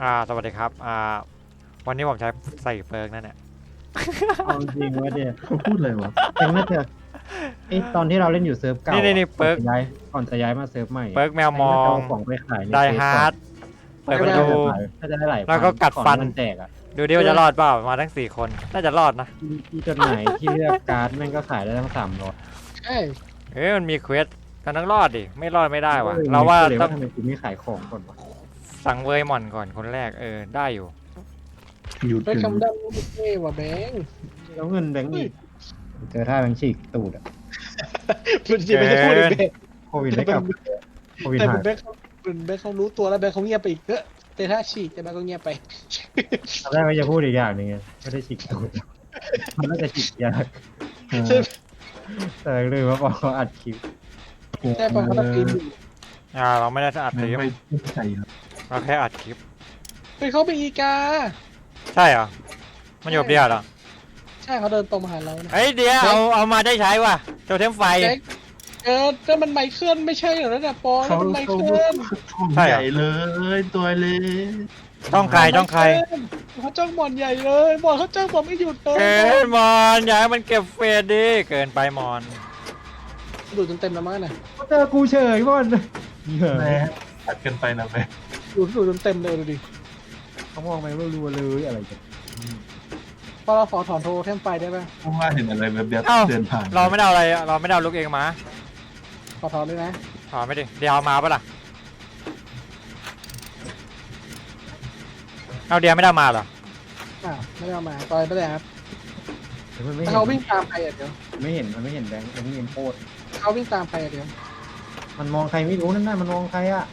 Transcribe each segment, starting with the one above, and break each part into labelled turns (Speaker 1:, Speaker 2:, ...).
Speaker 1: สวัสดีครับวันนี้ผมใช้ใส่เฟิร์กนั่นแหละ
Speaker 2: เอาจริงว่าเดี๋ยว
Speaker 3: เขาพูดเลยวะ
Speaker 2: ยังน่าจะไอตอนที่เราเล่นอยู่เซิร์ฟเก่า
Speaker 1: นี่เปิร์ก
Speaker 2: ก่อนจะย้ายมาเซิร์ฟใหม่
Speaker 1: เปิร์กแมวมอง
Speaker 2: เาของไปขายใน
Speaker 1: ได
Speaker 2: เฟซ
Speaker 1: ฮาร์ดเปิดประตู
Speaker 2: ถ้าจะได้หลาย
Speaker 1: แล้วก็กัดฟัน
Speaker 2: ของมันแตกอ่ะ
Speaker 1: ดูดิว่าจะรอดเปล่ามาทั้ง4 คนน่าจะรอดนะ
Speaker 2: ที่จดหมายที่เลือกการ์ดแม่งก็ขายได้ทั้ง300
Speaker 4: ใช่
Speaker 1: มันมีเควสกันต้องรอดดิไม่รอดไม่ได้วะเราว่า
Speaker 2: เลย
Speaker 1: ต้อง
Speaker 2: ทำไมกูไม่ขายของก่อนวะ
Speaker 1: สั่งเวยหม่อนก่อนคนแรกได้อยู่
Speaker 3: หยุด
Speaker 4: ไป
Speaker 3: ถึง
Speaker 4: คำดำไม่เท่ว่ะแบงค์
Speaker 2: แล้วเงินแบงค์อีกเจอท่าแบงค์ฉีกตูดอ่ะ
Speaker 4: มันจะไม่ได้พูดอีกแบงค์
Speaker 2: โควิดได้กลับโควิด
Speaker 4: แต่
Speaker 2: หาย
Speaker 4: แบงค์เขารู้ตัวแล้วแบงค์เขาเงียบไปอีกแต่ถ้าฉีกแต่แบงค์ก็เงียบไป
Speaker 2: ตอนแรกก็จะพูดอีกอย่างหนึงไงไม่ได้ฉีกตูดมันน่าจะฉีกยาก
Speaker 4: ใช่
Speaker 2: แต่ลืมว่าบอกเขาอัดคลิป
Speaker 4: ใช่ปะเขาตะกินอยู่
Speaker 1: เราไม่ได้อัดค
Speaker 3: ไม่
Speaker 1: ลิป
Speaker 3: ไม่ใส่ครับ
Speaker 1: เราแค่อัดคลิป
Speaker 4: ไปเขาไปอีกา
Speaker 1: ใช่เหรอมันอยู่เดียวเหรอ
Speaker 4: ใช่เขาเดินตรงมาหาเรานะ
Speaker 1: เดี๋ยวเอามาได้ใช้ว่ะโจเทมไฟ
Speaker 4: แบงค์แต่มันไมเคิลไม่ใช่เหรอเนี่ยปอนมันไมเคิล
Speaker 3: ช่องใหญ่เลยตัวเล็ก
Speaker 1: ช่องใคร
Speaker 4: เขาจ้องบอลใหญ่เลยบอลเขาจ้องบอลไม่หยุดเลย
Speaker 1: มอนอย่าให้มันเก็บเฟสดิเกินไปมอน
Speaker 4: ดูจนเต็มแล้วมั้งน่ะ
Speaker 2: เจอกูเฉยก่อน
Speaker 3: แม่ตัดกันไปนะแม่
Speaker 4: ดูจนเต็มเลยดูดิ
Speaker 2: เขามองไปรัวๆเลยอะไรกัน
Speaker 4: พอเราขอถอนโทรเทมไฟได้ป่ะ
Speaker 3: เพราะว่าเห็นอะไรแบบเดียว
Speaker 1: เอ้า
Speaker 3: เดินผ่าน
Speaker 1: เราไม่ได้เอาอะไรเราไม่ได้เอาลูกเองมา
Speaker 4: ขอถอนด้วยนะ
Speaker 1: ถอนไม่ดิเดี๋ยวเอามาปะล่ะเอาเดียวไม่ได้มาเหรอ
Speaker 4: ไม่ได้เอามาตอนไม่ได้ครับ
Speaker 2: มันไม่
Speaker 4: ถ้า
Speaker 2: เห็น
Speaker 4: เขาวิ่งตามใครเดี๋ยว
Speaker 2: ไม่เห็นมันไม่เห็นแบงค์มันไม่เห็นโคตร
Speaker 4: เขาวิ่งตามใครเดี๋ยว
Speaker 2: มันมองใครไม่รู้นั่นน่ะมันมองใครอ่ะ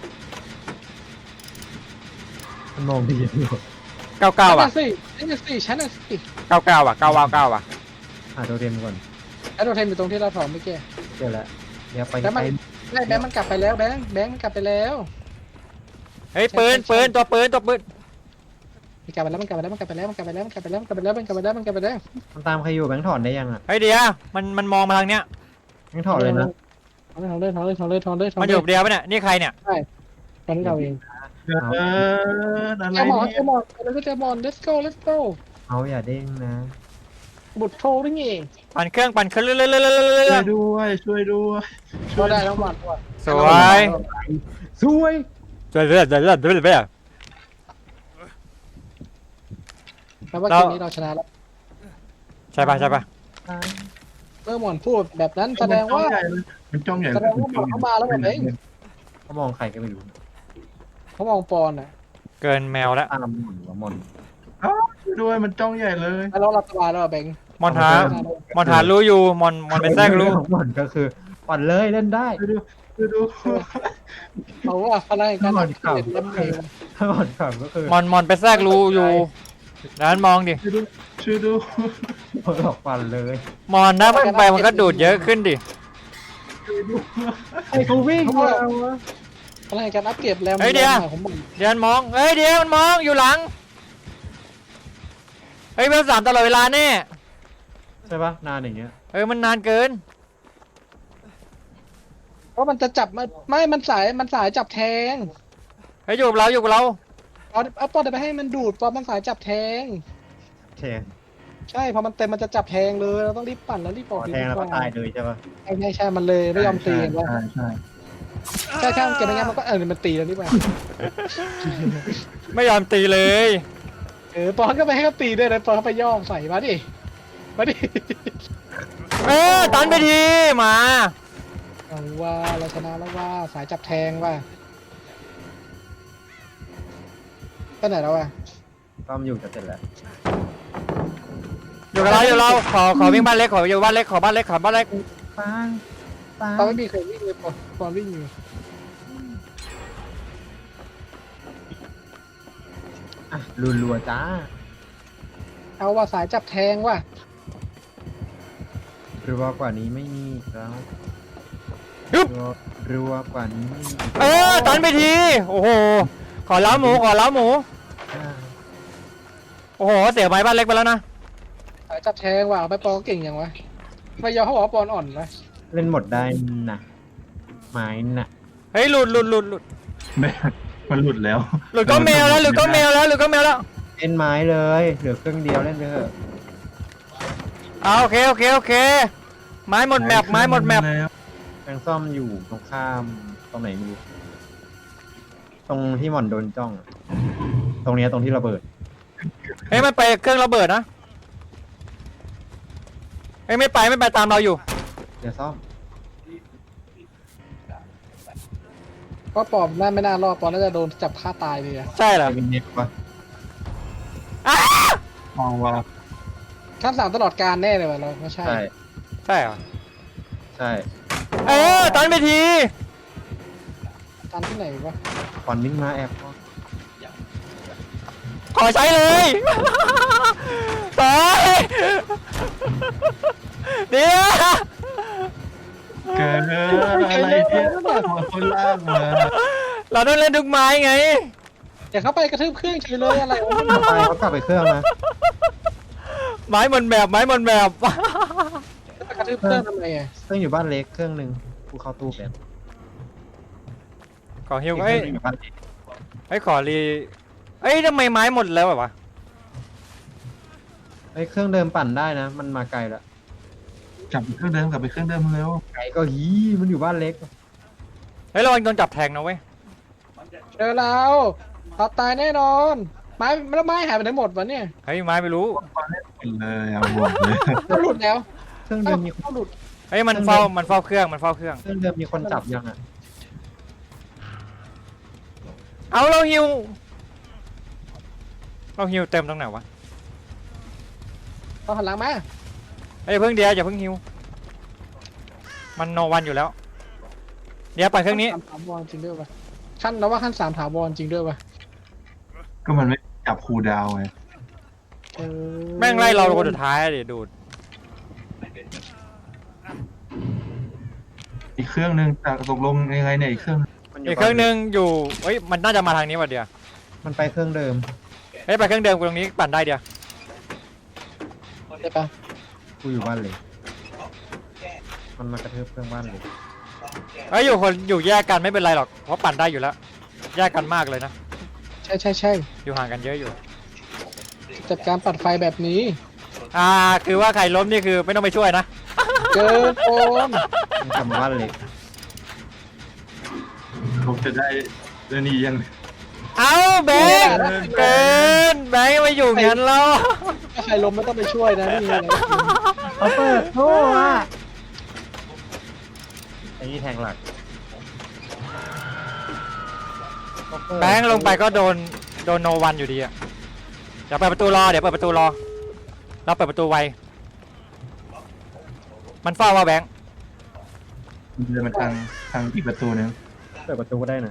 Speaker 2: มันมองดีอยู่
Speaker 1: 99 ว่ะ
Speaker 4: นี่สิฉันน่ะสิ
Speaker 1: 99 ว่ะ999 ว่ะ
Speaker 2: หาโทเทมก่อน
Speaker 4: แล้วโดนเทมอยู่ตรงที่เราถอนเมื่อกี้
Speaker 2: เจอแล้วเดี๋ยวไป
Speaker 4: แล้วมัน
Speaker 2: ไป
Speaker 4: แบงค์มันกลับไปแล้วแบงค์มันกลับไปแล้ว
Speaker 1: เฮ้ยปืนตัวปืน
Speaker 4: มันกลับไปแล้วมันกลับไปแล้วมันกลับไปแล้วมันกลับไปแล้วมันกลับไปแล้วมันกลับไปแล้วมันกลับไปแล้วมันกลับไปแล้ว
Speaker 2: มันตามใครอยู่แบงค์ถอนได้ยังอ่ะ
Speaker 1: เฮ้ยเดียวมันมองมาทางเนี้ย
Speaker 2: แบงค์ถอนเลยนะ
Speaker 4: ถอนเลย
Speaker 1: มันอยู่เดียวปะเนี่ยนี่ใครเนี่ย
Speaker 4: ตอนนี้เราเอง
Speaker 3: อะไร
Speaker 4: เจอหมอน
Speaker 3: เนี่ย
Speaker 4: แล้วก็เจอหมอน let's go
Speaker 2: เอาอย่าเด้งนะ
Speaker 4: บุตรโทรนี่เอง
Speaker 1: ปั่นเครื่องเรื่
Speaker 3: ช่วย
Speaker 1: อย
Speaker 3: ด้วยช่วยด้วย
Speaker 4: ก็ได้แล้วหมอนก่อน
Speaker 1: ๆสวย
Speaker 2: สวย
Speaker 1: เรื่อย
Speaker 4: แปลว่าเกมนี้เราชนะแล้ว
Speaker 1: ใช่ปะ
Speaker 4: เมื่อหมอนพูดแบบนั้นแสดงว่า
Speaker 3: มันจ้องใหญ่
Speaker 4: แสดงว่าหมอนเขามาแล้วแบบเอง
Speaker 2: เขามองใครก็ไม่รู้
Speaker 4: เขามองปอนอ่ะ
Speaker 1: เกินแมวแล้ว
Speaker 2: ตามหมุนว่ามอน
Speaker 3: ช่วยด้วยมันจ้องใหญ่เลย
Speaker 4: แล้วเราหลับสบายแล้วแบงค์
Speaker 1: มอนหารู้อยู่มอนเป็นแทรกรู้
Speaker 2: มอนก็คือปั่นเลยเล่นได้
Speaker 3: ช่วยด้วย
Speaker 4: เขาว่าพลังการเกิดเล่นเอง
Speaker 2: ถ้ามอนขับก็คือ
Speaker 1: มอนเป็นแทรกรู้อยู่นั้นมองดิ
Speaker 3: ช่วยด้วย
Speaker 2: หลอกปั่นเลย
Speaker 1: มอนนะมันไปมันก็ดูดเยอะขึ้นดิ
Speaker 2: ไอ้กูวิ่งมาวะ
Speaker 4: พลังการอัพเกรดแล้วผมบอก
Speaker 1: เดี๋ยวมันมองเดี๋ยวมันมองอยู่หลังเบล3ตลอดเวลาแน่
Speaker 2: ใช่ปะนานอย่างเงี้ย
Speaker 1: มันนานเกิน
Speaker 4: เพราะมันจะจับไม่มันสายจับแทง
Speaker 1: อยู่กับเรา
Speaker 4: เอาปอนไปให้มันดูดปอนมันสายจับแทง
Speaker 2: แทง
Speaker 4: ใช่พอมันเต็มมันจะจับแทงเลยเราต้องรีบปั่นแล้วรีบออก
Speaker 2: แทงแล้วก็ตายเลยใช่ปะ
Speaker 4: ใช่มันเลยไม่ยอมตีกันว่า
Speaker 3: ใช่
Speaker 4: ใช่เก็บไปงั้นมันก็มันตีแล้วนี่ป่ะ
Speaker 1: ไม่ยอมตีเลย
Speaker 4: ปอนก็ไปให้เขาตีด้วยนะปอนเขาไปย่องใส่มาดิ
Speaker 1: ตันไปทีมา
Speaker 4: เอาว่าเราชนะแล้วว่าสายจับแทงว่าไปไหนแล้ววะ
Speaker 2: ต้อมอยู่จะเสร็จแล้ว
Speaker 1: อยู่กับเราขอวิ่งบ้านเล็กขออยู่บ้านเล็กขอบ้านเล็ก
Speaker 2: ปัง
Speaker 4: ตอนไม่มีใครวิ่งเลยปอนวิ่งอยู่
Speaker 2: อ่ะรัวๆจ้า
Speaker 4: เอาว่าสายจับแทงว่ะ
Speaker 2: รัวกว่านี้ไม่มีแล้วรัวกว่านี้ไม่มี
Speaker 1: ตันไปทีโอ้โหขอเล้าหมูโอ้โหเสียไม้บ้านเล็กไปแล้วนะ
Speaker 4: สายจับแทงว่ะเอาไปปอนเก่งอย่างวะไม่ยอมเขาบอกว่าปอนอ่อนนะ
Speaker 2: เล่นหมดได้นะไม้น่ะ
Speaker 1: หลุด
Speaker 3: แม่มันหลุดแล้ว
Speaker 1: หลุดก็แมวแล้วหลุดก็แมวแล้วหลุดก็แมวแล้ว
Speaker 2: เล่นไม้เลยเหลือเครื่องเดียวเล่นไปเถอะ
Speaker 1: เอาโอเคโอเคโอเคไม้หมดแมปไม้หมดแมป
Speaker 3: แล้ว
Speaker 2: แมงซ่อมอยู่ตรงข้ามตรงไหนไม่รู้ตรงที่หม่อนโดนจ้องอะตรงเนี้ยตรงที่ระเบิด
Speaker 1: เฮ้ยมันไปเครื่องระเบิดนะเฮ้ยไม่ไปตามเราอยู่
Speaker 2: เดี๋ยวซ่อม
Speaker 4: เพราะปอมน่าไม่น่ารอดปอมน่าจะโดนจับฆ่าตายเลยอะ
Speaker 1: ใช่เหรอ
Speaker 2: จะมีเน็ตปะ
Speaker 1: อ้าม
Speaker 3: องว่า
Speaker 4: ขั้น3ตลอดการแน่เลยว่ะเราไม่ใช่
Speaker 2: ใช่
Speaker 1: ใช่เหรอ
Speaker 2: ใช่
Speaker 1: ตันไปที
Speaker 4: ตันที่ไหนวะ
Speaker 2: ควันวิ่งมาแอบ
Speaker 1: ขอใช้เลยตายเดี๋ยว
Speaker 3: เกิดอะไรเนี่ยมาคนล่างมา
Speaker 1: เราต้องเล่นทุกไม้ไง
Speaker 4: อย่าเข้าไปกระทืบเครื่องเฉยเลยอะไรวะ
Speaker 2: ต่อไปเขากลับไปเครื่องนะ
Speaker 1: ไม้หมดแบบไม้หมดแบบ
Speaker 4: กระทืบเครื่องทำไมอะ
Speaker 2: เครื่องอยู่บ้านเล็กเครื่องหนึ่งกูเข้าตู้แบบ
Speaker 1: ขอฮิว
Speaker 2: อีกเค
Speaker 1: เอ้
Speaker 2: รื่อย งหนึ่งอยู่บ้านเล็ก
Speaker 1: เอ้ยขอรีเอ้ยทำไมไม้หมดแล้วอะวะ
Speaker 2: ไอ้เครื่องเดิมปั่นได้นะ มันมาไกลแล้ว
Speaker 3: กลับไปเครื่องเดิมแล้ว
Speaker 2: ไกลก็ฮีมันอยู่บ้านเล็ก
Speaker 1: เฮ้ยระวังโดนจับแทงนะเว้ย
Speaker 4: เจอเราเราตายแน่นอนไม้แล้วไม้หายไปไหนหมดวะเนี่ย
Speaker 1: เฮ้ยไม้ไม่รู้
Speaker 3: เลยเอาหมดเลย
Speaker 4: เขาหลุดแล้ว
Speaker 2: เครื่องเดิ
Speaker 4: เอ้าม
Speaker 2: มี
Speaker 4: เขาหลุด
Speaker 1: เฮ้ยมันเฝ้าเครื่องมันเฝ้าเครื่อง
Speaker 2: เครื่องเดิมมีคนจับยังอ่ะ
Speaker 1: เอาเราฮิวเต็มตรงไหนวะ
Speaker 4: เขาหันหลังมา
Speaker 1: เฮ้ยเพิ่งเดียวอย่าเพิ่งฮิวมันโนวันอยู่แล้ว เดี๋ยวปั่นเครื่องนี้
Speaker 4: ขั้น3ถาวรจริงด้วยวะขั้นเราว่าขั้น3ถาวรจริงด้วยวะ
Speaker 3: ก็มันไม่จับคูลดาวน์ไง
Speaker 4: เออ
Speaker 1: แม่งไล่เราคนสุดท้ายอะดิดูด
Speaker 3: อีกเครื่องนึงตกลงยังไงเนี่ยอีกเครื่อง
Speaker 2: มัน
Speaker 1: อีกเครื่องนึงอยู่เฮ้ยมันน่าจะมาทางนี้ว่ะเดียว
Speaker 2: มันไปเครื่องเดิม
Speaker 1: เฮ้ยไปเครื่องเดิมกูตรงนี้ปั่นได้เดียว
Speaker 4: ได้ปะ
Speaker 2: กูอยู่บ้านเล็กมันมากระทืบเครื่องบ้านเล็ก
Speaker 1: เฮ้ยอยู่แยกกันไม่เป็นไรหรอกเพราะปั่นได้อยู่แล้วแยกกันมากเลยนะ
Speaker 4: ใช่
Speaker 1: อยู่ห่างกันเยอะอยู่
Speaker 4: จัดการปัดไฟแบบนี้
Speaker 1: คือว่าใครล้มนี่คือไม่ต้องไปช่วยนะ
Speaker 4: เกินโอน
Speaker 2: มันกลับมาบ้านเล็ก
Speaker 3: ผมจะได้เรื่องนี้ยัง
Speaker 1: เอาแบงค์เกินแบงค์ไม่อยู่งั้นแล้ว
Speaker 4: ถ้าใครล้มไม่ต้องไปช่วยนะนี่ไง
Speaker 2: เขาเปิดโซ่อะไอ้นี่แทงหลัก
Speaker 1: แบงค์ลงไปก็โดนโนวันอยู่ดีอะเดี๋ยวเปิดประตูรอเราเปิดประตูไวมันเฝ้าว่าแบงค์
Speaker 3: เดินมาทางอีกประตูนึง
Speaker 2: เปิดประตูก็ได้นะ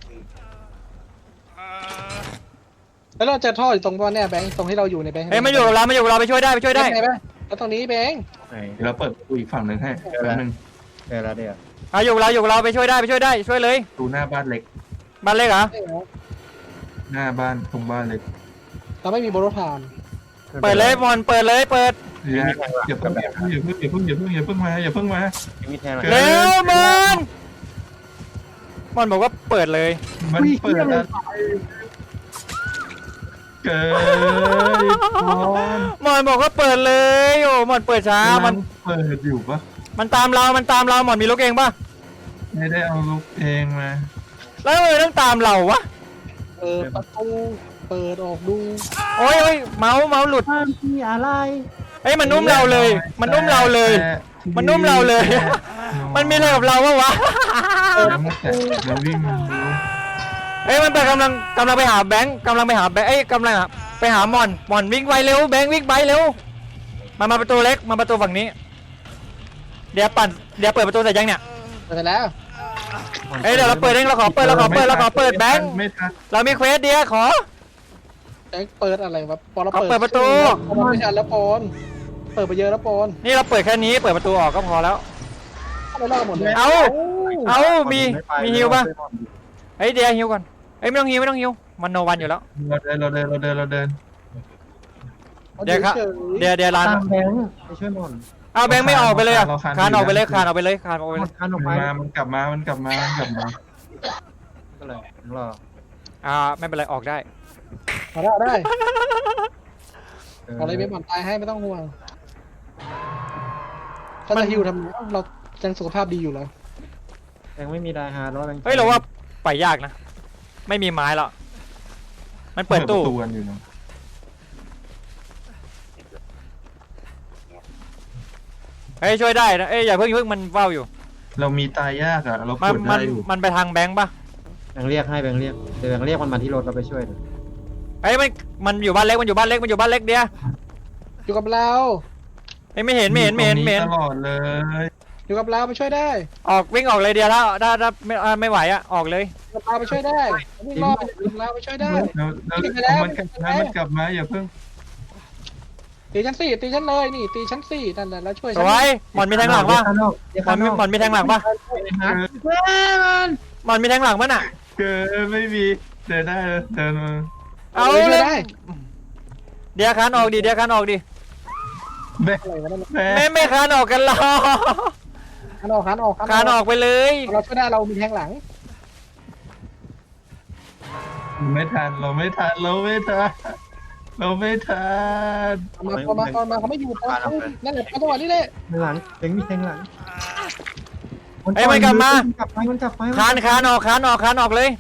Speaker 4: แล้วเราเจอท่ออยู่ตรงว่าเนี่ยแบงค์ตรงที่เราอยู่ในแบงค์
Speaker 1: เฮ้ยมาอยู่กับเราไปช่วยได้
Speaker 4: ได้ไหมแล้วตรงนี้แบงค์
Speaker 2: ไหน
Speaker 3: เดี๋ยวเราเปิดประตูอีกฝั่งหนึ่งให้แป๊บนึง
Speaker 2: เจอแล้วเดี๋ยว
Speaker 1: อยู่กับเราไปช่วยได้ช่วยเลย
Speaker 3: ประตูหน้าบ้านเล็ก
Speaker 1: บ้านเล็กเหรอ
Speaker 3: หน้าบ้านตรงบ้านเล็ก
Speaker 4: เราไม่มีโบโลทาน
Speaker 1: เปิดเลยบอลเปิด
Speaker 3: อย่าเพิ่งมาอย่าเพิ่งมา
Speaker 2: มีแทงหลัก
Speaker 1: เร็วมันบอกว่าเปิดเลย
Speaker 3: มันเปิดแล้วเกิดบอล
Speaker 1: มันบอกว่าเปิดเลยโอ้มันเปิดช้ามัน
Speaker 3: เปิดอยู่ปะ
Speaker 1: มันตามเราหมอนมีลูกเองป่ะ
Speaker 3: ไม่ได้เอาลูกเองมา
Speaker 1: แล้วทำไมต้องตามเราวะ
Speaker 4: ประตูเปิดออกดู
Speaker 1: โอ้ยเมาส์หลุด
Speaker 2: มีอะไร
Speaker 1: เฮ้ยมันนุ่มเราเลย มันนุ่มเราเลย มันนุ่มเราเลย มันมีอะไรกับเราวะ
Speaker 3: แล้ววิ่งมาดู
Speaker 1: เฮ้ยมันไปกำลังไปหาแบงค์เอ้ยกำลังไปหาหมอนวิ่งไปเร็วแบงค์วิ่งไปเร็วมาประตูเล็กมาประตูฝั่งนี้เดี๋ยวเปิดประตูเสร็จยังเนี่ย
Speaker 4: เปิดแล้ว
Speaker 1: เอ้ยเดี๋ยวเราเปิดเองเราขอเปิดแบงค์
Speaker 3: ไม่ทัน
Speaker 1: เรามีเควสเดียวขอ
Speaker 4: แบงค์เปิดอะไรวะปอนเรา
Speaker 1: เอาเปิดประตู
Speaker 4: ปอนไม่ทันแล้วปอนเปิดไปเยอะแล้วปอน
Speaker 1: นี่เราเปิดแค่นี้เปิดประตูออกก็พอแล้ว
Speaker 4: ไม่รอดหมดเลย
Speaker 1: เอามีฮิวป่ะเฮ้ยเดี๋ยวฮิวก่อนเฮ้ยไม่ต้องฮิวมันโนวันอยู่แล้ว
Speaker 3: เราเดิน
Speaker 1: เดี๋ยวครับเดี๋ยวร้าน
Speaker 2: ตามแบงค์ไปช่วยหมอน
Speaker 1: เอาแบงค์ไม่ออกไปเลยอะคานออกไปเลย
Speaker 2: หมอนคันออกไป
Speaker 3: มันกลับมา
Speaker 2: ก็เลยรอ
Speaker 1: ไม่เป็นไรออกได้
Speaker 4: เอาได้เอาได้เอาเลยเบสบอลตายให้ไม่ต้องห่วงถ้าจะฮิวทำไมเรายังสุขภาพดีอยู่แล้ว
Speaker 2: ยังไม่มีไดฮาร์ดแล้ว
Speaker 1: เฮ้ยเราว่าไปยากนะไม่มีไม้แล้วมันเปิดตู้
Speaker 3: ประกันอยู่นะ
Speaker 1: เฮ้ยช่วยได้นะเอ้ยอย่าเพิ่งมันเฝ้าอยู่
Speaker 3: เรามีตายยากอ่ะเรา
Speaker 1: มั
Speaker 3: ก
Speaker 1: น
Speaker 3: ด
Speaker 1: มั
Speaker 3: ได้
Speaker 1: น
Speaker 3: อยู่
Speaker 1: มันไปทางแบงค์ปะ
Speaker 2: แบงค์เรียกให้แบงค์เรียกเดี๋ยวแบงค์เรียกมันมาที่รถเราไปช่วยหน่อย
Speaker 1: เฮ้ยมันอยู่บ้านเล็กมันอยู่บ้านเล็กมันอยู่บ้านเล็กเดียว
Speaker 4: อยู่กับเรา
Speaker 1: เฮ้ยไม่เห็น
Speaker 3: ตรงตลอดเลย
Speaker 4: อยู่กับเราไปช่วยได้
Speaker 1: ออกวิ่งออกเลยเดียวแล้วถ้าไม่ไหวอะออกเลย
Speaker 4: อยู่กับเราไปช่วยได้วิ่งรอบไปอยู่กับเราไปช่วยได้
Speaker 3: แล้วมันกลับมาอย่าเพิ่ง
Speaker 4: ตีชั้น4ตีชั้นเลยนี่ตีชั้น4นั่นแหละแล้วช่วย
Speaker 1: ส
Speaker 4: ฉัน
Speaker 1: วยหมอนมีแทงหลังปะ
Speaker 2: เดี๋ยว
Speaker 1: หมอนมีหมอนมีแทงหลังปะหมอนมีแทงหลังปะน่ะ
Speaker 3: เกิดไม่มีเดินได้เลยเดินมา
Speaker 1: เอา
Speaker 4: ช่วย
Speaker 1: เลย
Speaker 4: ได้
Speaker 1: เดี๋ยวคานออกดิเดี๋ยวคานออกดิ
Speaker 3: แม่
Speaker 4: อะไรวะนั่น
Speaker 3: แม่
Speaker 1: ไม่คานออกกันหรอ
Speaker 4: ขันออกขันออก
Speaker 1: คานออกไปเลย
Speaker 4: เราช่วยได้เรามีแทงหลัง
Speaker 3: ไม่ทันเราไม่ทันเราไม่ทันเราไม่ทัน
Speaker 4: มาเขาไม่อยู่นั่นแหละจังหวะนี้เลย
Speaker 2: แทงหลังแบงค์มีแทงหลัง
Speaker 1: ไอ้มันกลับมา
Speaker 2: กลับไปมันกลับไป
Speaker 1: คานออกเลย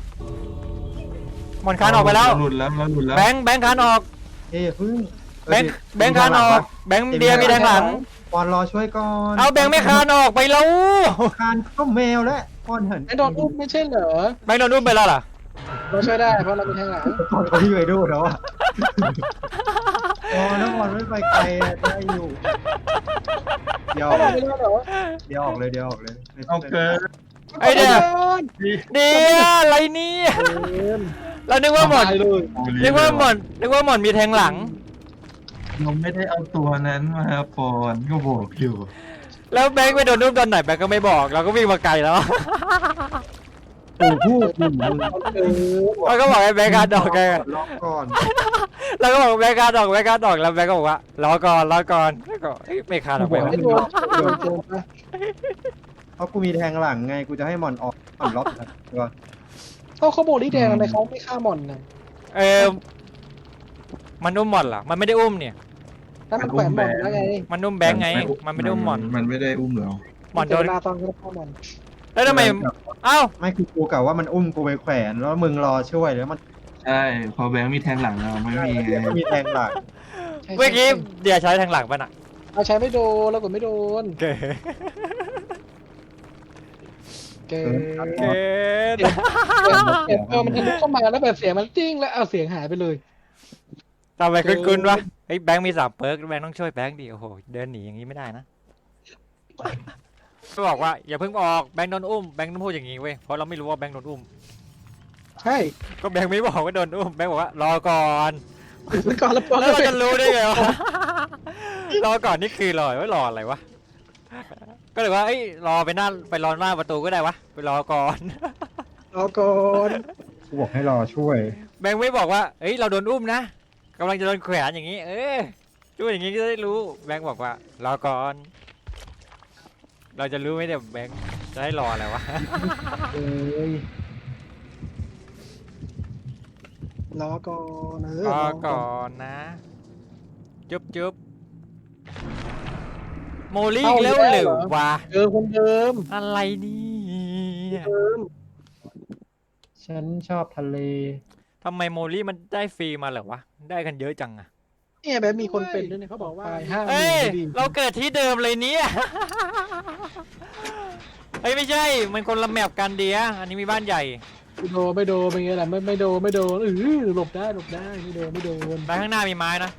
Speaker 1: หมอนคานออกไปแล้ว
Speaker 3: หลุดแล้วเราหลุดแล้ว
Speaker 1: แบงค์คานออก
Speaker 2: เอ้ยพึ่ง
Speaker 1: แบงค์คานออกแบงค์เดียมีแทงหลัง
Speaker 2: ปอนรอช่วยก่อน
Speaker 1: เอาแบงค์ไม่คานออกไปแล้ว
Speaker 2: คานก็แมวแล้วปอนเห็น
Speaker 4: ไอ้โดนอุ้มไม่ใช่เหรอ
Speaker 1: แบงค์โดนอุ้มไปแล้วเหรอ
Speaker 4: เราช่วยได้เพราะเรามีแทงหลัง
Speaker 2: ปอนเขาที่ไปดูแล้วอ่ะอ๋อน้องปอนไม่ไปไกลได้อยู่เดี๋ยว
Speaker 4: เขาบอกไม่ได้เหรอ
Speaker 2: เดี๋ยวออกเลยเดี๋ยวออกเลย
Speaker 3: เอาเกิน
Speaker 1: ไอ้เดีย
Speaker 3: ดี
Speaker 1: เดียอะไรเนี่ยเรานึกว่าหมอน
Speaker 4: ตายเลย
Speaker 1: นึกว่าหมอนมีแทงหลัง
Speaker 3: เราไม่ได้เอาตัวนั้นมาปอนก็บอกอยู่
Speaker 1: แล้วแบงค์ไปโดนอุ้มตอนไหนแบงค์ก็ไม่บอกเราก็วิ่งมาไกลแล้ว
Speaker 2: ปู่พูดปู่
Speaker 1: เราก็บอกให้แบงค์คานออกไง
Speaker 2: ล็อกก่อน
Speaker 1: เราก็บอกแบงค์คานออกแล้วแบงค์ก็บอกว่ารอก่อนแล้วก็ไม่คานออกไปวะ
Speaker 4: ไม่โดนโดนไป
Speaker 2: เพราะกูมีแทงหลังไงกูจะให้หมอนออกหมอนล็อกนะตัว
Speaker 4: เขาโบลี่แดงทำไมเขาไม่ฆ่าหมอนนะ
Speaker 1: มันอุ้มหมอนเหรอมันไม่ได้อุ้มเนี่ย
Speaker 4: นั่นมันแขวนหมอนแล้วไง
Speaker 1: มันอุ้มแบงค์ไงมันไม่ได้อุ้มหมอน
Speaker 3: มันไม่ได้อุ้มเรา
Speaker 1: หมอนโดน
Speaker 4: เวลาตอนเขาฆ่าหมอน
Speaker 1: แล้วทำไมเอ้า
Speaker 2: ไม่คือกูกะว่ามันอุ้มกูไปแขวนแล้วมึงรอช่วยแล้วมัน
Speaker 3: ใช่พอแบงค์มีแทงหลังเราไม่มี
Speaker 2: ไม่มีแทงหลัง
Speaker 1: เมื่อกี้เดี๋ยวใช้ทางหลังป่ะน่ะ
Speaker 4: เอาใช้ไม่โดนแล้วกดไม่โดน
Speaker 1: เก๋
Speaker 4: เก๋
Speaker 1: เก๋
Speaker 4: มันทะลุเข้ามาแล้วแบบเสียงมันจิ้งแล้วเอาเสียงหายไปเลย
Speaker 1: ทำไมคุ้นๆวะเฮ้ยแบงค์มี3เปิร์กแบงค์ต้องช่วยแบงค์ดิโอ้โหเดินหนีอย่างนี้ไม่ได้นะก็บอกว่าอย่าเพิ่งออกแบงค์โดนอุ้มแบงค์ต้องพูดอย่างนี้เว้ยเพราะเราไม่รู้ว่าแบงค์โดนอุ้ม
Speaker 4: ใช่
Speaker 1: ก็แบงค์ไม่บอกว่าโดนอุ้มแบงค์บอกว่ารอก่อน
Speaker 4: แล้วก่อนแล้วพอ
Speaker 1: แล้วเราจะรู้ได้ไงวะรอก่อนนี่คือรอไว้รออะไรวะก็เลยว่าเอ้ยรอไปรอหน้าประตูก็ได้วะไปรอก่อน
Speaker 4: รอก่อน
Speaker 2: กูบอกให้รอช่วย
Speaker 1: แบงค์ไม่บอกว่าเอ้ยเราโดนอุ้มนะกำลังจะโดนแขวนอย่างนี้ ช่วยอย่างนี้ก็ได้รู้แบงค์บอกว่ารอก่อน เราจะรู้ไหมเนี่ยแบงค์จะให้รออะไรวะ
Speaker 2: เอ้ย
Speaker 4: รอก่อน
Speaker 1: รอก่อนนะจุ๊บโมลี่อีกแล้วหรือวะ
Speaker 4: คนเดิม
Speaker 1: อะไรนี่
Speaker 2: ฉันชอบทะเล
Speaker 1: ทำไมโมลี่มันได้ฟรีมาเหรอวะได้กันเยอะจังอะ
Speaker 4: เนี่ยแบบมีคนเป็นด้วยเนี่ยเขาบอกว่าห้า
Speaker 1: เอ้ยเราเกิดที่เดิมเลยเนี่ย เฮ้ยไม่ใช่มันคนละแมปกันเดียอันนี้มีบ้านใหญ่
Speaker 4: ไม่โดนเป็นไงล่ะไม่โดนหลบได้ไม่โดน
Speaker 1: ไปข้างหน้ามีไม้นะ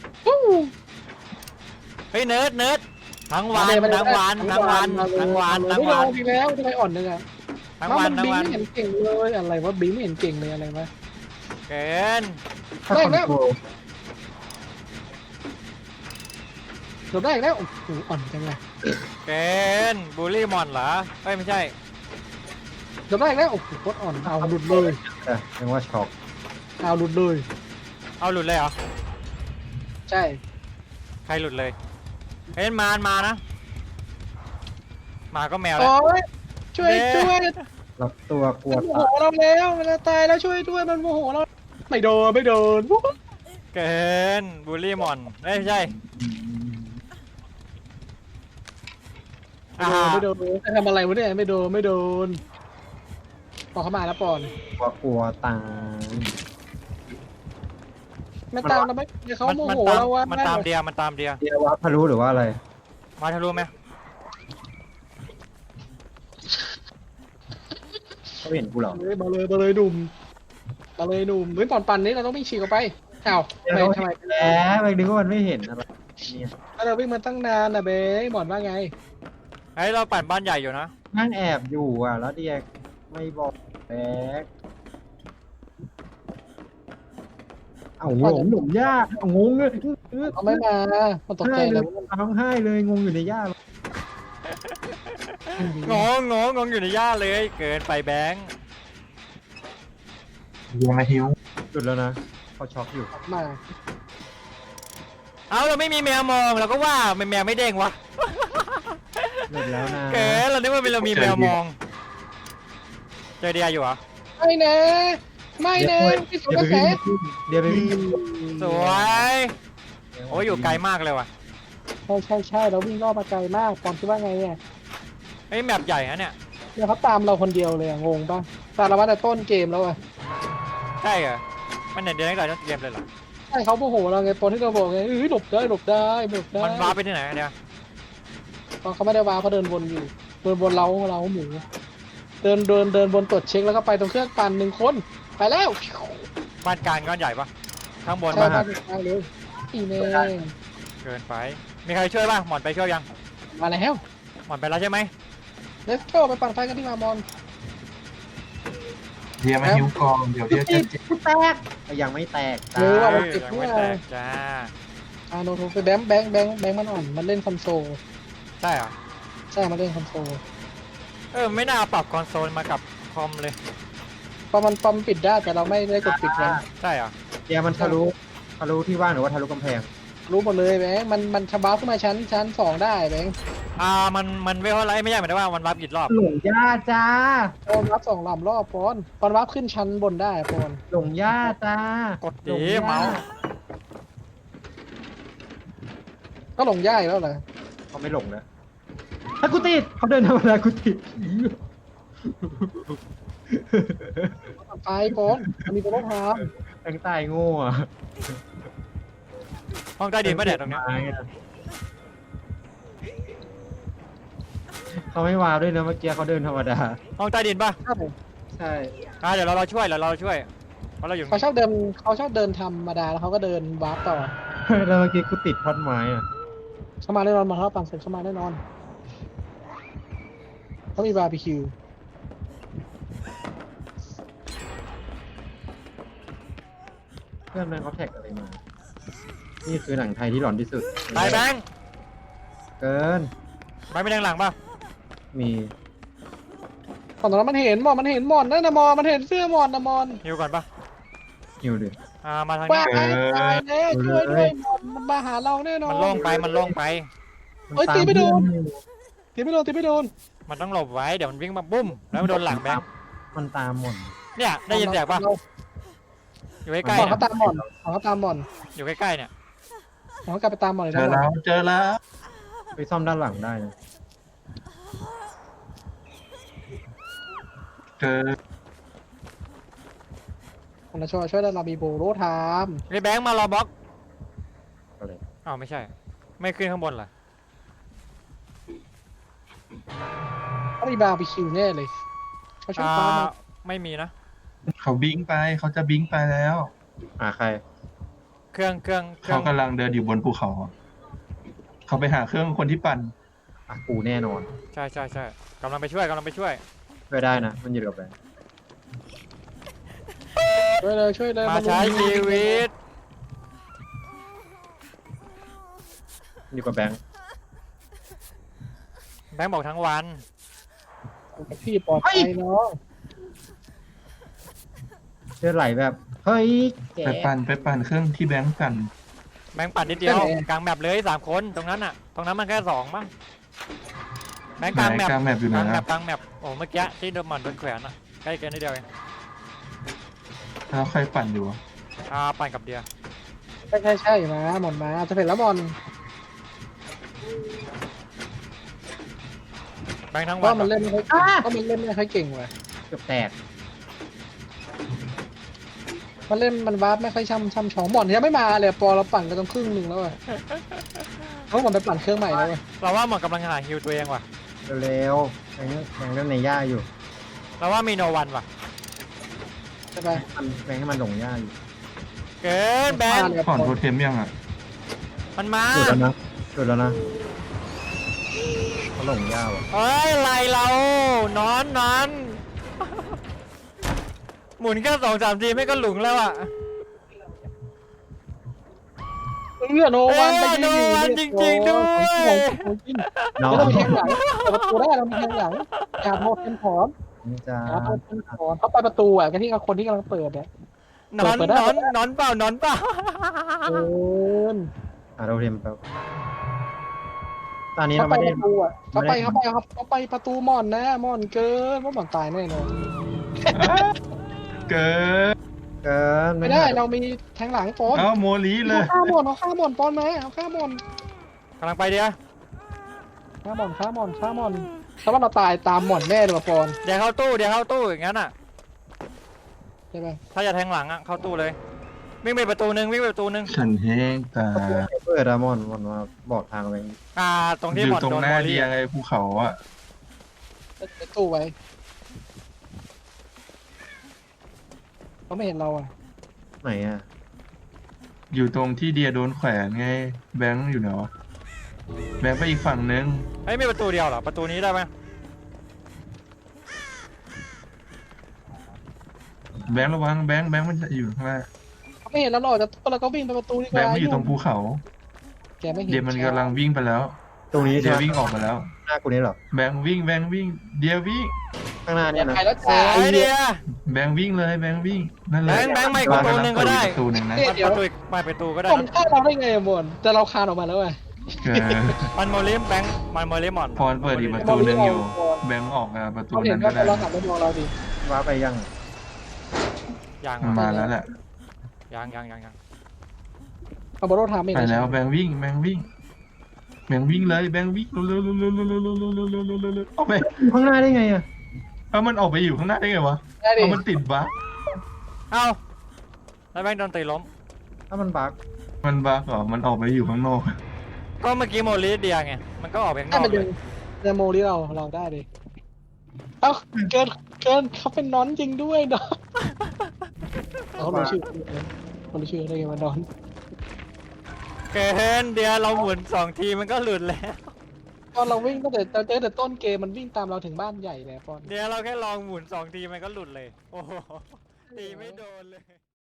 Speaker 1: เฮ้ยเนิร์ดทั้งวัน
Speaker 4: ไม่โดนดีแล้วทำไมอ่อนนึงอ่ะ
Speaker 1: ทั้ง
Speaker 4: มัน
Speaker 1: วัน
Speaker 4: บิงไม่เห็นเก่งเลยอะไรวะบิงไม่เห็นเก่งเลยอะไรวะ
Speaker 1: เกิน
Speaker 2: ถ้าคอนโทรล
Speaker 4: หลบได้อีกแล้วโอ้โหอ่อนจังเลย
Speaker 1: เกินบูลลี่มอนเหรอเฮ้ยไม่ใช่
Speaker 4: หลบได้อีกแล้วโอ้โหโคตรอ่อนเอาหลุดเลย
Speaker 2: ยังว่าช็อก
Speaker 4: เอาหลุดเลย
Speaker 1: เอาหลุดเลยเหรอ
Speaker 4: ใช่
Speaker 1: ใครหลุดเลยเฮ้ยมานะหมาก็แมวแล้ว
Speaker 4: โอ้ยช่วย
Speaker 2: รับตัวกลัว
Speaker 4: มันโม
Speaker 2: ตา
Speaker 4: โหเราแล้วมันจะตายแล้วช่วยด้วยมันโมโหเราไม่โดนไม่โดน
Speaker 1: เกินบูลลี่มอนเอ้ยไม่ใช่
Speaker 4: ไม่โดนไม่โดนจะทำอะไรวะเนี่ยไม่โดนไม่โดนปอนเข้ามาแล้วปอน
Speaker 2: กลัวตาย
Speaker 4: ไม่ตามเราไม่เขา
Speaker 1: มัน
Speaker 4: โม
Speaker 1: มัน
Speaker 4: โห
Speaker 1: ตาม
Speaker 4: เราว่า
Speaker 1: มันตามเดียมันตามเดีย
Speaker 2: เดียวว่าพารู้หรือว่าอะไร
Speaker 1: มาทะลุไหม
Speaker 2: เขาเห็นกูเหรอ
Speaker 4: มาเลยหนุ่มมาเลยหนุ่มเฮ้ยปอนปั่นนี้เราต้องวิ่งฉีกออกไปอ้าวทำไม
Speaker 2: แล้วไปนึกว่ามันไม่เห็นอะไรเนี่ย
Speaker 4: เราวิ่งมาตั้งนานนะเบ้หมอนว่าไง
Speaker 1: เฮ้ยเราปั่นบ้านใหญ่อยู่นะ
Speaker 2: นั่งแอบอยู่อ่ะ แล้วเดียไม่บอกแบกเอาหลงหนุ่มยากเอางงเลย
Speaker 4: เขาไม่มามันตกใจ
Speaker 2: ให้เล
Speaker 4: แล้
Speaker 2: ยว ร้องไห้เลยงงอยู่ในย่าเลย
Speaker 1: งงอยู่ในย่าเลยเกินไปแบงค์
Speaker 3: เฮียมาหิว
Speaker 2: หยุดแล้วนะเขาช็อกอยู่
Speaker 4: มา
Speaker 1: เอาเราไม่มีแมวมองเราก็ว่าแมวไม่เด้งวะ
Speaker 2: หยุดแล้วนะ
Speaker 1: เกินเรานึกว่าเรามีแมวมองเจอเดียอยู่เหรอ
Speaker 4: ไม่นะไม่นะพี่สุกระแส
Speaker 2: เดี๋ยวไปวิ่ง
Speaker 1: สวยโอ้ยอยู่ไกลมากเลยว่ะ
Speaker 4: ใช่เราวิ่งรอบมาไกลมากปอนคิดว่าไงเนี่ย
Speaker 1: เฮ้ยแมปใหญ่นะเนี่ย
Speaker 4: เดี๋ยวเขาตามเราคนเดียวเลยงงป่ะตามเรามาแต่ต้นเกมแล้วอะ
Speaker 1: ใช่เหรอมันเด่นเดียวตั้งแต่ต้นเกมเลยเหรอ
Speaker 4: ใช่เขาโมโหเราไงตอนที่เราบอกไงหลบได้หลบได้หลบได้
Speaker 1: มันว้าร์ปไปที่ไหนอะเนี่ย
Speaker 4: ตอนเขาไม่ได้วาเขาเดินวนอยู่เดินวนเราหมูเดินบนตรวจเช็คแล้วก็ไปตรงเครื่องปั่น1 คนไปแล้ว
Speaker 1: บ้านกลางก้อนใหญ่ปะข้างบน
Speaker 4: ใช่
Speaker 1: ปะ
Speaker 4: บ้านกลางเลยอีเน่
Speaker 1: เกินไปมีใครช่วยป่ะหมอนไปช่วยยัง
Speaker 4: มาแล้ว
Speaker 1: หมอนไปแล้วใช่ไหม
Speaker 4: let's go ไปปั่นไฟกันที่มามอน
Speaker 3: เฮียมาหิวกองเดี๋ยวเดี๋ยวจะเจ็บ
Speaker 2: แตกยังไม่แตก
Speaker 4: เออ
Speaker 1: เฮ้
Speaker 4: เอา
Speaker 1: ย
Speaker 4: เก็บ
Speaker 1: ยัง
Speaker 4: ด้ว
Speaker 1: ไม่
Speaker 4: ย
Speaker 1: แตกจ้า
Speaker 4: โนโทไปแบงค์มันอ่อนมันเล่นคอนโซล
Speaker 1: ใช่เหรอ
Speaker 4: ใช่มันเล่นคอนโซล
Speaker 1: ไม่น่าปรับคอนโซลมากับคอมเลย
Speaker 4: พอมันปิดได้แต่เราไม่ได้กดปิดมัน
Speaker 1: ใช่เหรอ
Speaker 2: เดียมันทะลุที่ว่างหรือว่าทะลุกำแพง
Speaker 4: รู้หมดเลยแบงค์มันชะบ้าขึ้นมาชั้น2ได้แบงค์
Speaker 1: มันเวลอะไรไม่ใช่หมายถึงว่ามันวับกี่รอบ
Speaker 2: หลงย่าจ้า
Speaker 4: ปอนวับ2 ลำรอบปอนวับขึ้นชั้นบนได้ปอน
Speaker 2: หลงย่าจ้าก
Speaker 1: ดดีเมาส์
Speaker 4: ก็หลงย่ายแล้วเหรอ
Speaker 2: เขาไม่หลงนะถ้ากูติดเขาเดินธรรมดากูติด
Speaker 4: ไปปอนมันมีตัวต้องท
Speaker 2: แตงตายโง่อะ
Speaker 1: ห้องใต้ดินปะเนี่ยตรงเนี้ย
Speaker 2: เขาไม่วาวด้วยนะเมื่อกี้เขาเดินธรรมดา
Speaker 1: ห้องใต้ดินปะ
Speaker 4: ำครับผม
Speaker 2: ใช่
Speaker 1: เดี๋ยวเราช่วยเพราะเราอยู่
Speaker 4: เขาชอบเดินธรรมดาแล้วเขาก็เดินวาร์ปต่อ
Speaker 2: แล้วเมื่อกี้กูติดท่อนไม้อะ
Speaker 4: เข้ามาแน่นอนมาเขาปั่นเสร็จเข้ามาแน่นอนเขามีบาร์บีคิว
Speaker 2: เพื่อนมันเขาแท็กอะไรมา นี่คือหนังไทยที่หลอนที่สุด
Speaker 1: ไปแบงค์
Speaker 2: เกิน
Speaker 1: ไปไม่แดงหลังปะ
Speaker 2: มี
Speaker 4: ตอนนั้นมันเห็นหมอนนั่นนะมันเห็นเสื้อหมอนนะมอน
Speaker 1: ฮิวก่อนปะ
Speaker 2: หิวดิ
Speaker 1: มาทาง
Speaker 4: ว่า
Speaker 1: นี้
Speaker 4: ไอ้ตายแล้วช่วยด้วยหมอนมันมาหาเราแน่นอน
Speaker 1: มันโล่งไป
Speaker 4: เฮ้ยตีไม่โดน ตีไม่โดน
Speaker 1: มันต้องหลบไว้เดี๋ยวมันวิ่งมาบุ้มแล้วมันโดนหลังแบงค์
Speaker 2: มันตามหมด
Speaker 1: เนี่ยได้ยินเสียงปะอยู่ใกล้
Speaker 4: หม
Speaker 1: ๆ
Speaker 4: อน
Speaker 1: เนี่ย
Speaker 4: เขาตามหมอน
Speaker 1: อยู่ใกล้ๆเนี่ย
Speaker 4: หมอนเขากลับไปตามหมอนเลย
Speaker 3: เจอแล้วเจอแล้ว
Speaker 2: ไปซ่อมด้านหลังได้นะ
Speaker 3: เจอ
Speaker 4: คนละช่วยได้เรามีโบโรทาม
Speaker 1: ไอ้แบงค์มารอบล็อก
Speaker 2: ก็เลย
Speaker 1: อ้าวไม่ใช่ ไม่ขึ้นข้างบนเหรอ
Speaker 4: เขามีบาร์บีคิวแน่เลยเขาช่วยฟ้ามา
Speaker 1: ไม่มีนะ
Speaker 3: เขาบิงไปเขาจะบิงไปแล้ว
Speaker 2: ใคร
Speaker 1: เครื่อง
Speaker 3: เขากำลังเดินอยู่บนภูเขาเขาไปหาเครื่องคนที่ปั่น
Speaker 2: กูแน่นอน
Speaker 1: ใช่กำลังไปช่วย
Speaker 2: ช่วยได้นะ มันอยู่กับแบงค์
Speaker 4: ช่วยเลย
Speaker 1: มาใช้ชีวิต
Speaker 2: อยู่กับแบงค์
Speaker 1: แบงค์บอกทั้งวัน
Speaker 4: พี่ปลอดภัยเนาะ
Speaker 2: เลือดไหลแบบ เฮ้ยแก
Speaker 3: ไปปั่นเครื่องที่แบงค์ปั่น
Speaker 1: แบงค์ปัดนิดเดียวกลางแมปเลย3 คนตรงนั้นมันแค่2มั้งแบแบงค์กลางแมป
Speaker 3: กลางแมปอยู่ไหน
Speaker 1: กลางแม
Speaker 3: นะ
Speaker 1: ปกลางแมปโอ้เมื่อกี้ที่โดนหมอนโดนแขวนอะใกล้กันนิดเดียวเอง
Speaker 3: แล้วใครปั่นอยู่อะ
Speaker 1: ปั่นกับเดีย
Speaker 4: ใช่มาหมอนมาจะเห็นแล้วบอล
Speaker 1: แบงค์ทั้งวั
Speaker 4: ว่าน มันเล่นไม่ค่อยว่ามันเล่นไม่ค่อยเก่งว่ะ
Speaker 2: เกือบแตก
Speaker 4: มันเล่นมันวาร์ปไม่ค่อยช่ำชองหมอนยังไม่มาเลยปอเราปั่นกันต้องครึ่งหนึ่งแล้วอ่ะเขาหมอนไปปั่นเครื่องใหม่แล้วอ่ะ
Speaker 1: เราว่าหมอนกำลังหาฮิวตัวเองว่ะ
Speaker 2: เร็วๆแบงค์เล่นในหญ้าอยู่
Speaker 1: เราว่ามีโนวันว่ะ
Speaker 4: ใช่ไหม
Speaker 2: แบงค์ให้มันหลงหญ้าอยู่
Speaker 1: เกินแบงค์
Speaker 3: ถอนโทเทมยังอ่ะ
Speaker 1: มันมา
Speaker 2: หลุดแล้วนะหลุดแล้วนะเขาหลงหญ้าว่ะ
Speaker 1: เฮ้ยไล่เรานอน หมุนแค่2-3 ทีไม่ก็หลุงแล้วอ่ะ
Speaker 4: โนวันไป
Speaker 1: โนวันจริงๆด้วย
Speaker 2: น้อง
Speaker 4: เรามีแทงหลังเปิดประตูได้เรามีแทงหลังอย่าโทษเป็นถอน
Speaker 2: นี่จะ
Speaker 4: อย่าโทษเป็นถอนเขาไปประตูอ่ะกันที่คนที่กำลังเปิดเนี่ย
Speaker 1: นอนเปล่านอนเปล่า
Speaker 4: เกิน
Speaker 2: เราเทมแป๊บตอนนี้
Speaker 4: เขา
Speaker 2: เรา
Speaker 4: ไป
Speaker 2: ไม่ได้
Speaker 4: ประตูอ่ะเขาไปประตูหมอนนะหมอนเกินว่าหมอนตายแน่นอน
Speaker 3: เกิน
Speaker 2: เกิน
Speaker 4: ไม่ได้เรามีแทงหลังปอน
Speaker 3: เอ้าโมลีเลย
Speaker 4: ฆ่าหมอนเอาฆ่าหมอนปอนมาเอาฆ่าหมอน
Speaker 1: กำลังไปเดีย
Speaker 4: ฆ่าหมอนถ้าว่าเราตายตามหมอนแน่เลยว่ะปอน
Speaker 1: เดี๋ยวเข้าตู้อย่างนั้นอ่ะ
Speaker 4: ใช่ไหม
Speaker 1: ถ้าจะแทงหลังอ่ะเข้าตู้เลยวิ่งไปประตูนึง
Speaker 3: ฉันแห้งตา
Speaker 2: เปิดอะมอนมาบอกทางไป
Speaker 1: ตรง
Speaker 3: อ
Speaker 1: ที่ห
Speaker 3: ยู่
Speaker 1: มอน
Speaker 3: ตรง
Speaker 1: โดน
Speaker 3: หน้า
Speaker 1: โม
Speaker 3: เดี
Speaker 1: ลี่
Speaker 3: ยไงภูเขาอ่ะ
Speaker 4: ไปตู้ไว้เขาไม่เห็นเราอ่ะ
Speaker 2: ไหนอะ
Speaker 3: อยู่ตรงที่เดียโดนแขวนไง แบงค์อยู่ไหนวะแบงค์ไปอีกฝั่งนึง
Speaker 1: เฮ้ยมีประตูเดียวเหรอประตูนี้ได้ไหม
Speaker 3: แบงค์ระวังแบงค์มันจะอยู่ข้างหน้า
Speaker 4: เขาไม่เห็นเราหรอกจะเราก็วิ่งไปประตูดีก
Speaker 3: แบง
Speaker 4: ว่า
Speaker 3: ค์มันอยู่ตรงภูเขา
Speaker 4: แกไม่เห็น
Speaker 3: เดียมันกำลังวิ่งไปแล้ว
Speaker 2: ตรงนี้
Speaker 3: เดี
Speaker 2: ใช่
Speaker 3: ย
Speaker 2: ไหม
Speaker 3: วิ่งออกมาแล้ว
Speaker 2: หน้ากูนี่เหรอ
Speaker 3: แบงค์วิ่งเดียวิ่ง
Speaker 2: ข้างหน้าเนี่ยนะ
Speaker 4: ไปแล้วจ้า
Speaker 1: ไอเดีย
Speaker 3: แบงค์วิ่งเลยแบงค์วิ่งนั่นแหละ
Speaker 1: แบงค์ไม่ประตูนึงก็ได้
Speaker 3: ประตูหนึ่งนะ
Speaker 1: ประตูก็ได้
Speaker 4: ผมฆ่าเราได้ไงอะบนแต่เราคานออกมาแล้วไง
Speaker 3: เกิน
Speaker 1: มันโมลิมแบงค์มันโมลิมอน
Speaker 3: พรเปิดอีกประตูหนึ่งอยู่ แบงค์ออกมาประตู
Speaker 4: เขาเห็
Speaker 3: นั้น นก็
Speaker 4: ว่า
Speaker 3: ได้
Speaker 4: เราหันไปมองเราดิ
Speaker 2: ว้าไปยัง
Speaker 1: ยัง
Speaker 3: มันมาแล้วแหละ
Speaker 1: ยัง
Speaker 4: เอาบอลโรทามเอง
Speaker 3: ไปแล้วแบงค์วิ่งเลยแบงค์วิ่งเร็วออกไป
Speaker 2: ข้างหน้าได้ไงอะ
Speaker 3: เอามันออกไปอยู่ข้างหน้าได้ไงวะ
Speaker 4: ได้ดิ
Speaker 3: เอามันติดบั๊ก
Speaker 1: เอ้าแล้วแบงค์โดนตีล้ม
Speaker 2: ถ้ามันบั๊ก
Speaker 3: มันบั๊กเหรอมันออกไปอยู่ข้างนอก
Speaker 1: ก็เมื่อกี้โมลิเดียไงมันก็ออกไปข้างน
Speaker 4: ได้
Speaker 1: อก
Speaker 4: มัน
Speaker 1: เล
Speaker 4: ดึ
Speaker 1: ย
Speaker 4: งเดโมที่เราได้ดิเอ้าเกินเขาเป็นนอนจริงด้วยเนาะเขารู้ชื่อคนรู้ชื่อได้ไงว่านอน
Speaker 1: เกินเดียเราหมุน2 ทีมันก็หลุดแล้ว
Speaker 4: ตอนเราวิ่งตั้งแต่เจอแต่ต้นเกมมันวิ่งตามเราถึงบ้านใหญ่เลยปอน
Speaker 1: เดี๋ยวเราแค่ลองหมุน2 ทีมันก็หลุดเลย โอ้โหตีไม่โดนเลย